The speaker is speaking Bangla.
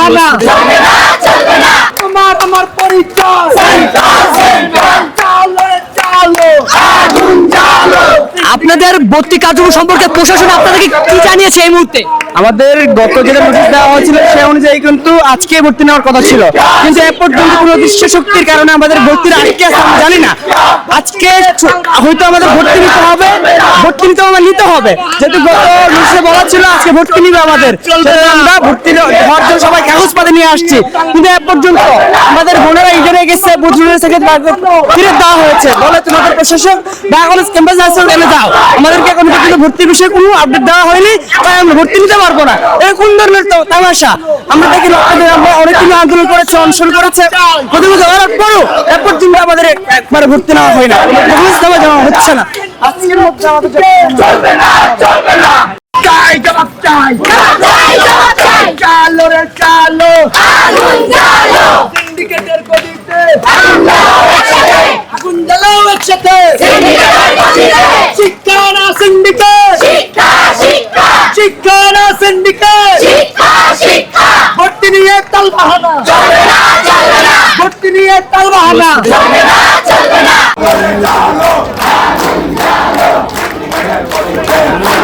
বাহানা তোমার আমার পরিচয় আপনাদের ভর্তি কার্যক্রম সম্পর্কে প্রশাসন আপনাদেরকে কি জানিয়েছে এই মুহূর্তে? আমাদের গত যেটা নোটিশ দেওয়া হয়েছিল সে অনুযায়ী কিন্তু আজকে ভর্তি নেওয়ার কথা ছিল, কিন্তু এ পর্যন্ত কোনো দৃশ্য শক্তির কারণে আমাদের ভর্তির আটকে আছে আমরা জানি না। আজকে হয়তো আমাদের ভর্তি নিতে হবে, ভর্তি নিতে হবে যেহেতু গত নোটিশে বলা ছিল আজকে ভর্তি নিবে আমাদের, আমরা ভর্তি হওয়ার জন্য সবাই কাগজপাতি নিয়ে আসছি, কিন্তু এ পর্যন্ত আমাদের বোনেরা ইডেনে গেছে, বুঝুনের থেকে ফিরে দেওয়া হয়েছে, বলে তোমাদের প্রশাসক ঢাকা কলেজ ক্যাম্পাস আসলে এনে দাও, আমাদেরকে এখন পর্যন্ত ভর্তির বিষয়ে কোনো আপডেট দেওয়া হয়নি, তাই আমরা ভর্তি নিতে পারবো না। এই কোন ধরনের তামাশা? আমরা দেখি আমরা অনেকদিন আন্দোলন করেছে, অনশন করেছে, এ পর্যন্ত আমাদের একবারে ভর্তি নেওয়া হয় না, হচ্ছে না। আজকের মধ্যে আমাদের চলবে না, চলবে না, চাই জবাব চাই, চালো রে চালো, আগুন জ্বালো, সিন্ডিকেটের গদিতে আগুন জ্বালাও একসাথে, সিন্ডিকেটের গদিতে শিক্ষা না সিন্ডিকেট, শিক্ষা শিক্ষা, শিক্ষা না সিন্ডিকেট, শিক্ষা শিক্ষা, ভর্তি নিয়ে তালবাহানা চলবে না, চলবে না, ভর্তি নিয়ে তালবাহানা চলবে না, চলবে না, আগুন জ্বালো, আগুন জ্বালো,